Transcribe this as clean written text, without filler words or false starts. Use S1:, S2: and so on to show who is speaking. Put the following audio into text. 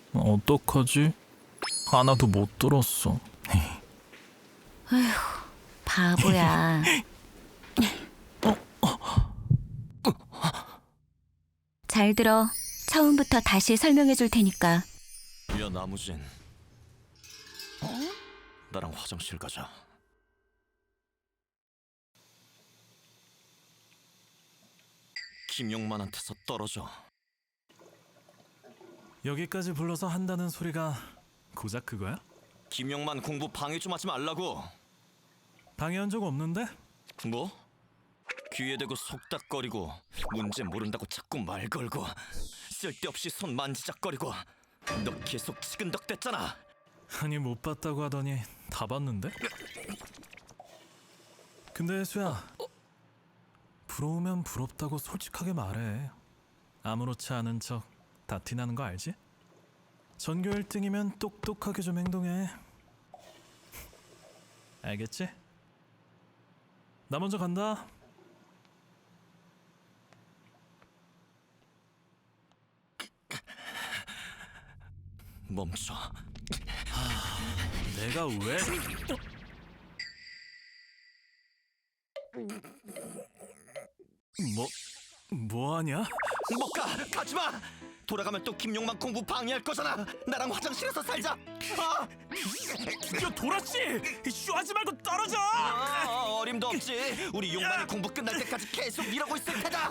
S1: 어떡하지? 하나도 못 들었어.
S2: 바보야. 잘 들어. 처음부터 다시 설명해 줄 테니까.
S3: 야 나무진, 나랑 화장실 가자. 김용만한테서 떨어져.
S1: 여기까지 불러서 한다는 소리가 고작 그거야?
S3: 김용만 공부 방해 좀 하지 말라고.
S1: 방해한 적 없는데?
S3: 뭐? 귀에 대고 속닥거리고 문제 모른다고 자꾸 말 걸고 쓸데없이 손 만지작거리고 너 계속 치근덕댔잖아.
S1: 아니 못 봤다고 하더니 다 봤는데? 근데 수야, 부러우면 부럽다고 솔직하게 말해. 아무렇지 않은 척 다 티나는 거 알지? 전교 1등이면 똑똑하게 좀 행동해. 알겠지? 나 먼저 간다.
S3: 멈춰.
S1: 내가 왜? 뭐하냐?
S3: 못 가! 가지마! 돌아가면 또 김용만 공부 방해할 거잖아. 나랑 화장실에서 살자.
S1: 야 도라씨! 쇼하지 말고 떨어져!
S3: 어림도 없지. 우리 용만이 공부 끝날 때까지 계속 이러고 있을 테다.